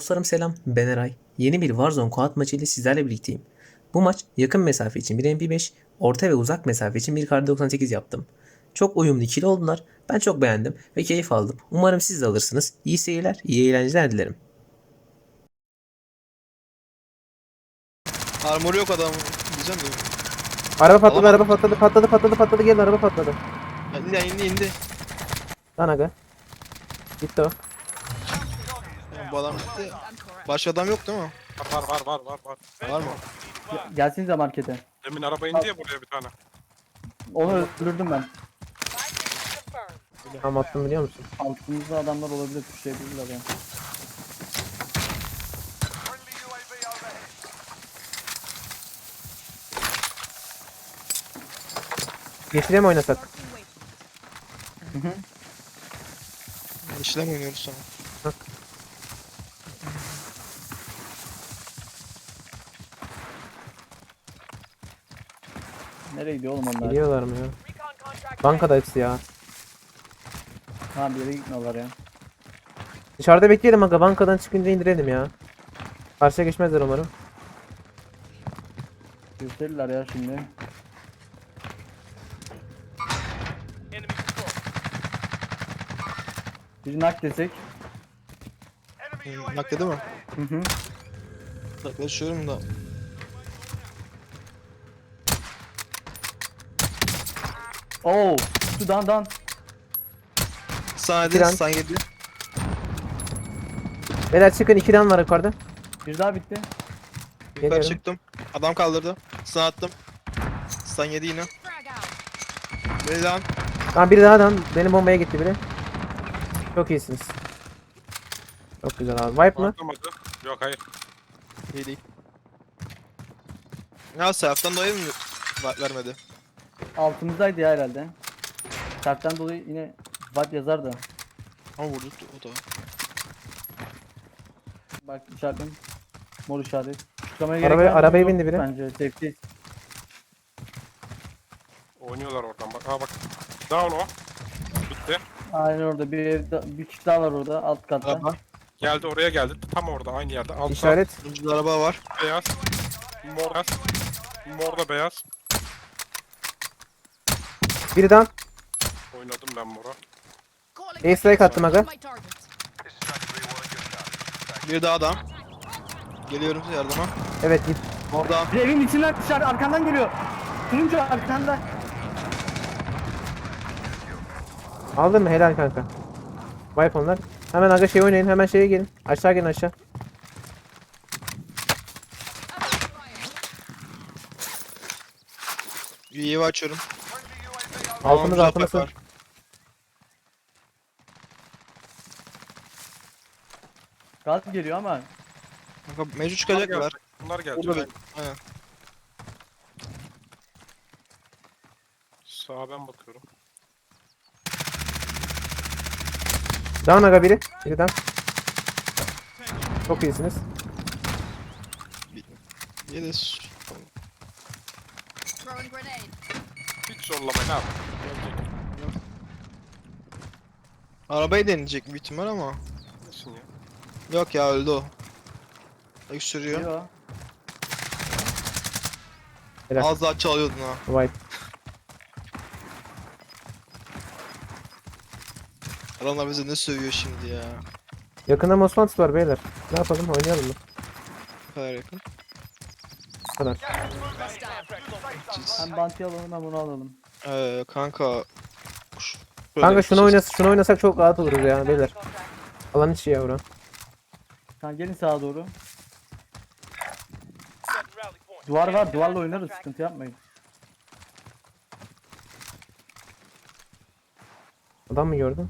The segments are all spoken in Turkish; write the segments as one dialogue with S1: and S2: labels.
S1: Dostlarım selam, ben Eray. Yeni bir Warzone Quad maçı ile sizlerle birlikteyim. Bu maç yakın mesafe için bir MP5, orta ve uzak mesafe için bir Kar 98 yaptım. Çok uyumlu ikili oldular, ben çok beğendim ve keyif aldım. Umarım siz de alırsınız. İyi seyirler, iyi eğlenceler dilerim.
S2: Armor yok adam diyeceğim de.
S3: Araba patladı,
S2: Alamadım.
S3: araba patladı, gelin araba patladı.
S2: İndi.
S3: Lan aga. Gitti o.
S2: Bu adam gitti. Başka adam yok değil mi?
S4: Var.
S2: Var mı?
S5: Gelsinize markete.
S4: Demin araba indi ya buraya bir tane.
S5: Onu öldürdüm ben.
S3: Tam attım biliyor musun?
S5: Altımızda adamlar olabilir, tuşlayabilirler yani.
S3: Yeşile mi oynasak?
S2: İşlem oynuyoruz sonra.
S5: Nereye gidiyor oğlum onlar?
S3: Geliyorlar mı ya? Bankada hepsi ya.
S5: Ha bir yere gitmiyorlar ya.
S3: Dışarıda bekleyelim aga, bankadan çıkınca indirelim ya. Karşıya geçmezler umarım.
S5: Gösterirler ya şimdi. Bir nak desek.
S2: Nakle değil mi?
S5: Hı hı.
S2: Yaklaşıyorum da.
S5: Oo, şu dan.
S2: Sana
S3: Kiran.
S2: dedi, sana geliyor.
S3: Beyler çıkın, 2 dan var yukarıda.
S5: Bir daha bitti.
S2: Yukarı
S3: Geliyorum.
S2: çıktım. Adam kaldırdı. Sana attım. Sana yedi yine. Beni lan.
S3: Tamam, biri daha dan. Benim bombaya gitti biri. Çok iyisiniz. Çok güzel abi. Wipe mı?
S4: Atlamadı. Yok hayır.
S2: İyi değil. Ya Seraf'tan dolayı mı vermedi?
S5: Altımızdaydı ya herhalde. Sertten dolayı yine bat yazar da.
S2: Ama vurdu o da.
S5: Bak işaretim. Mor işaret. Çıkmaya gerek var mı?
S3: Arabaya
S5: Yok
S3: bindi biri.
S5: Bence safety.
S4: Oynuyorlar oradan bak. Ha bak. Down o. Bitti.
S5: Aynen orada bir kişi daha var orada alt katta.
S2: Araba.
S4: Geldi oraya geldi. Tam orada aynı yerde. Altta
S3: İşaret.
S2: Önce araba var.
S4: beyaz. Mor beyaz. Mor da beyaz.
S3: Biri dan.
S4: Oynadım ben mora.
S3: Ace strike attım aga.
S2: Bir daha adam. Geliyorum size yardıma.
S3: Evet git.
S2: Orada.
S5: Bir evin içinden dışarı arkandan geliyor. Turuncu arkanda.
S3: Aldın mı? Helal kanka. Wipe onlar. Hemen aga şey oynayın. Hemen şeye gelin. Aşağı gelin aşağı.
S2: UAV açıyorum.
S3: Altımız
S2: Tamam,
S3: altımız.
S2: var.
S5: Gaz geliyor ama.
S2: Kanka mecbur
S4: Bunlar
S2: çıkacaklar.
S4: gelecek. Bunlar gelecek.
S2: Burada aynen.
S4: Sağa ben bakıyorum.
S3: Down aga biri. Biri down. Çok iyisiniz.
S2: Yeriz.
S6: Throwing grenade.
S4: Hiç zorlama ne yap? Gelecek.
S2: Arabayı deneyecek büyük ihtimal ama.
S4: Nesin ya?
S2: Yok ya öldü o. Öksürüyor.
S5: Geliyor.
S3: Helal.
S2: Az daha çalıyordun ha.
S3: Wipe.
S2: Adamlar bize ne sövüyor şimdi ya.
S3: Yakında Mosfant var beyler. Ne yapalım? Oynayalım mı?
S2: Bu kadar yakın.
S3: Bu kadar.
S2: Siz-
S5: Hem banti alalım hem bunu alalım.
S2: Kanka.
S3: Kanka şunu oynasak çok rahat oluruz ya beyler. Alan içi ya bura.
S5: Tamam gelin sağa doğru. Duvar var, duvarla oynarız, sıkıntı yapmayın.
S3: Adam mı gördün?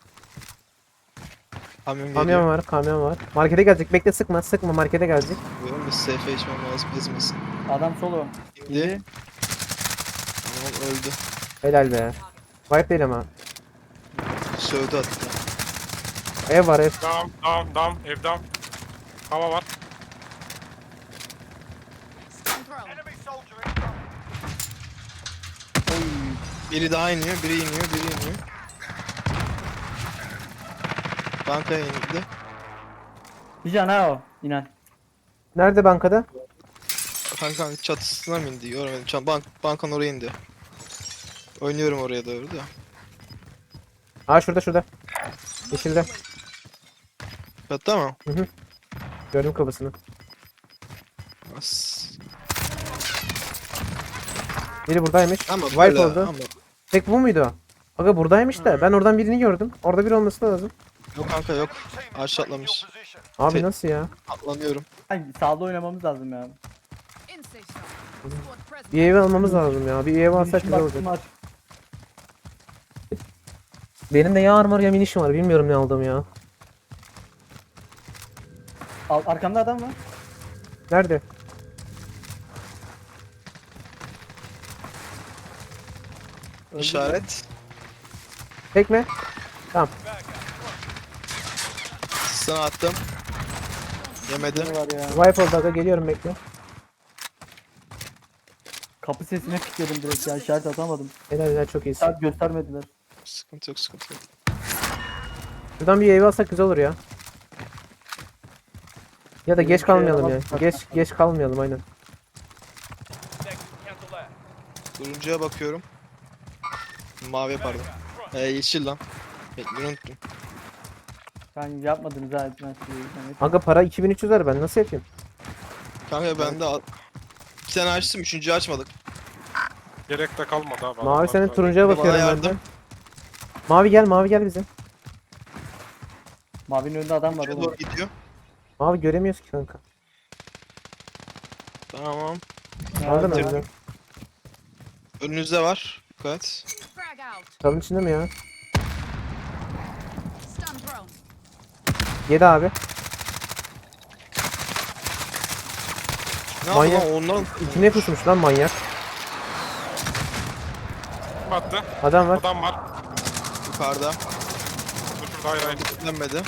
S2: Kamyon
S3: Kamyon
S2: geliyor.
S3: var, kamyon var. Markete gelecek. Bekle, sıkma markete gelecek.
S2: Benim bir safe içmem lazım ezmesin.
S5: Adam solo.
S2: İndi.
S5: İndi.
S2: Tamam öldü.
S3: Helal be. Wipe değil ama.
S2: Sövdü hatta.
S3: Ev var ev.
S4: Down. Ev down. Hava var.
S6: Stun thrown.
S2: Biri daha iniyor, biri iniyor. Bankaya indi.
S5: Bir can ha o. İnan.
S3: Nerede bankada?
S2: Kanka çatısına mı indi? Görmedim. Bankanın oraya indi. Oynuyorum oraya doğru da.
S3: Aa şurada. Yeşilde.
S2: Hatta mı?
S3: Gördüm kafasını.
S2: As.
S3: Biri buradaymış.
S2: Ama
S3: Wipe
S2: böyle,
S3: oldu.
S2: ama.
S3: Tek bu muydu o? Aga buradaymış da ben oradan birini gördüm. Orada biri olması lazım.
S2: Yok kanka yok. Aşağı atlamış.
S3: Abi
S2: Te-
S3: nasıl ya?
S2: Atlanıyorum.
S5: Ay, sağda oynamamız lazım ya.
S3: Bir ev almamız lazım ya. Bir ev alsak
S5: Finish'im
S3: güzel
S5: var,
S3: olacak.
S5: var.
S3: Benim de ya armor ya minişim var. Bilmiyorum ne aldım ya.
S5: Arkamda adam var.
S3: Nerede?
S5: Öldü.
S2: İşaret.
S3: Tekme. Tamam.
S2: Sana attım. Yemedim.
S5: Ne var ya?
S3: Wipe oldu aga geliyorum bekle.
S5: Kapı sesine kilitledim direkt ya. İşaret atamadım.
S3: Helal çok iyisin.
S5: İşaret göstermediler.
S2: Sıkıntı yok, sıkıntı yok.
S3: Şuradan bir ev alsak güzel olur ya. Ya da geç kalmayalım ya. Geç kalmayalım aynen.
S2: Turuncuya bakıyorum. Mavi pardon. Yeşil lan. Bekleyin, unuttum.
S5: Ben yapmadınız ha etmez.
S3: Aga para 2300 var ben nasıl yapayım?
S2: Kanka ben de iki tane açtım, üçüncüyü açmadık.
S4: Gerek de kalmadı abi.
S3: Mavi
S4: Adamlar
S3: senin
S4: da-
S3: turuncuya
S2: Bana
S3: bakıyorum ben de.
S2: yardım.
S3: Mavi gel bize.
S5: Mavinin önünde adam var
S2: Şuraya
S5: oğlum.
S2: doğru gidiyor.
S3: Mavi göremiyoruz ki kanka.
S2: Tamam.
S3: Aldın mı
S5: Nerede?
S3: bize?
S2: Önünüzde var. Dikkat.
S3: Kalın içinde mi ya? Yedi abi.
S2: Ne
S3: Manyak.
S2: yaptı lan onların?
S3: İçine pusmuş lan manyak.
S4: Kim attı?
S3: Adam var.
S4: Adam var.
S2: Yukarıda.
S4: Dur şurada hayır.
S2: Dönmedi.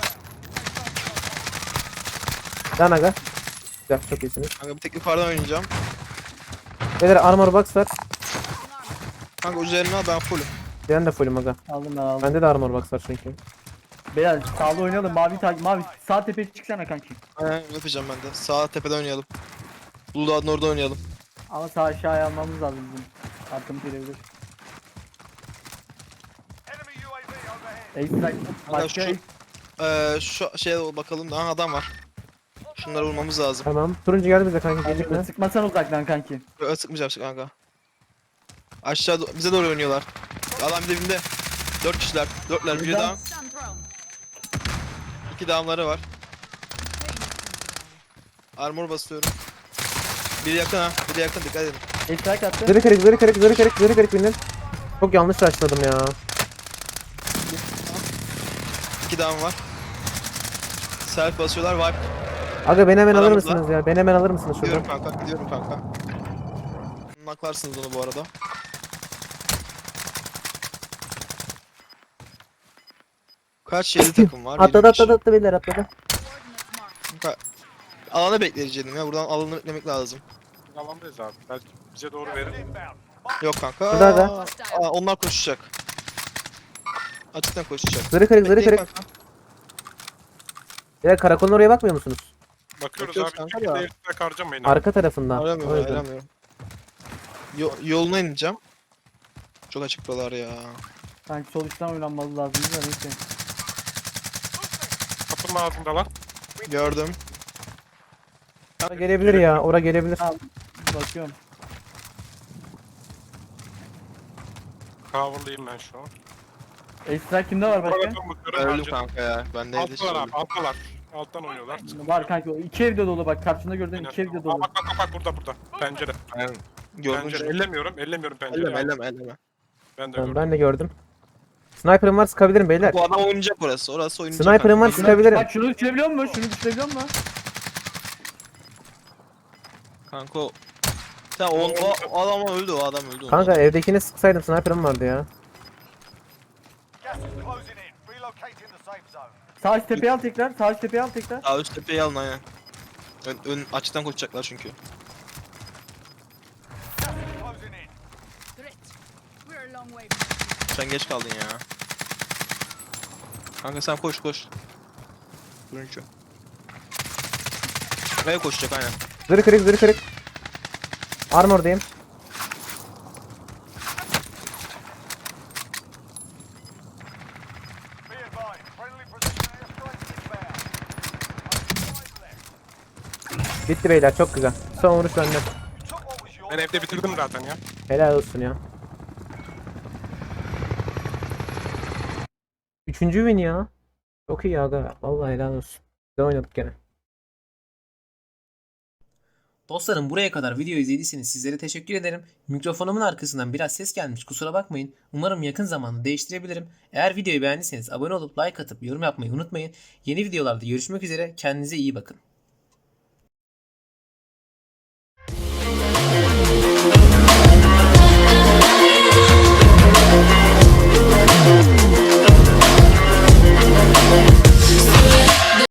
S3: Lan aga. Güzel çok iyisiniz.
S2: Kanka bir tek yukarıdan oynayacağım.
S3: Beyler armor box var.
S2: Kanka üzerine al, ben fullüm.
S3: Ben de fullüm aga.
S5: Aldım ben aldım.
S3: Bende de armor box var çünkü.
S5: Beyler sağda oynayalım. Mavi sağ tepeye çıksana kanki.
S2: Aynen yapacağım ben de. Sağ tepeden oynayalım. Bulldog'un orada oynayalım.
S5: Ama sağ aşağıya almamız lazım bizim. Arkamız gelebilir. Ace başka
S2: Kanka şu şeye bakalım. Aha adam var. Şunları vurmamız lazım.
S3: Tamam. Turuncu geldi bize kanka gecikme.
S5: sıkmasan uzaktan kanki.
S2: Böyle sıkmayacağım kanka. Aşağı bize doğru oynuyorlar. Adam dibinde. 4 kişiler. 4'ler. Biri daha. 2 damları var. Armor basıyorum. Biri yakın ha. Biri yakın, dikkat edin.
S5: Ace attı.
S3: Zırı kırık bindin. Çok yanlış rushladım ya.
S2: 2 dam var. Self basıyorlar. Wipe.
S3: Aga beni hemen alır
S2: Aramızda.
S3: mısınız ya? Beni hemen alır mısınız
S2: Gidiyorum
S3: şuradan?
S2: kanka. Gidiyorum kanka. Naklarsınız onu bu arada. Kaç 7 takım var?
S3: Atladı beyler atladı.
S2: Kanka, alanı bekleyeceğim ya. Buradan alanı beklemek lazım.
S4: Alandayız abi. Belki bize doğru verir.
S2: Yok kanka.
S3: Burada da.
S2: Onlar koşacak. Açıktan koşacak.
S3: Zırı kırık
S2: Bekleyin kanka.
S3: Ya karakolun oraya bakmıyor musunuz?
S4: Bakıyoruz
S2: Bakıyoruz
S4: abi.
S2: kanka
S4: Çünkü
S2: da.
S4: değiştirmek harcamayın abi.
S3: Arka tarafında.
S2: Aramıyorum,
S3: O yüzden.
S2: aramıyorum. Yoluna ineceğim. Çok açık buralar ya.
S5: Sanki sol üstten oynanmalı lazım da neyse.
S4: Kapının ağzındalar.
S2: Gördüm.
S3: Ora gelebilir ya. Ora gelebilir.
S5: Bakıyorum.
S4: Cover'lıyım ben şu an.
S5: Ace Strike kimde var başka?
S4: Bakıyorum, bakıyorum,
S2: Öldüm
S4: harcadım.
S2: kanka ya. Ben neydi
S4: Alttalar abi. Alttalar. Alttan oynuyorlar.
S5: Var kanki. İki evde dolu bak. Karşında gördüğün iki evde
S4: Aa,
S5: dolu.
S4: bak burada. Pencere.
S2: Aynen. Gördüm.
S4: Pencere. Ellemiyorum pencereyi.
S2: Elleme.
S4: Ben de
S3: Tamam,
S4: gördüm.
S3: ben de gördüm. Sniper'ım var sıkabilirim beyler.
S2: Bu adam oynayacak orası. Orası oynayacak.
S3: Sniper'ım var
S2: kanka.
S3: sıkabilirim.
S5: Bak şunu düşürebiliyor musun? Şunu düşürebiliyor musun?
S2: Kanka o. Tamam o adam öldü, o adam öldü.
S3: Kanka evdekini sıksaydım sniper'ım vardı ya.
S5: Sağ üst tepeye al tekrar. Sağ üst tepeye al tekrar.
S2: Daha üst tepeyi alın aynen. Ön açıktan koşacaklar çünkü. Sen geç kaldın ya. Kanka sen koş. Turuncu. Kaya koşacak aynen.
S3: Zırh kırık, zırh kırık. Armordayım. Bitti beyler, çok güzel. Son vuruş bende.
S4: Ben evde bitirdim zaten ya.
S3: Helal olsun ya. Üçüncü win ya. Çok iyi aga. Vallahi helal olsun. Güzel oynadık gene.
S1: Dostlarım buraya kadar video izlediyseniz sizlere teşekkür ederim. Mikrofonumun arkasından biraz ses gelmiş, kusura bakmayın. Umarım yakın zamanda değiştirebilirim. Eğer videoyu beğendiyseniz abone olup like atıp yorum yapmayı unutmayın. Yeni videolarda görüşmek üzere. Kendinize iyi bakın.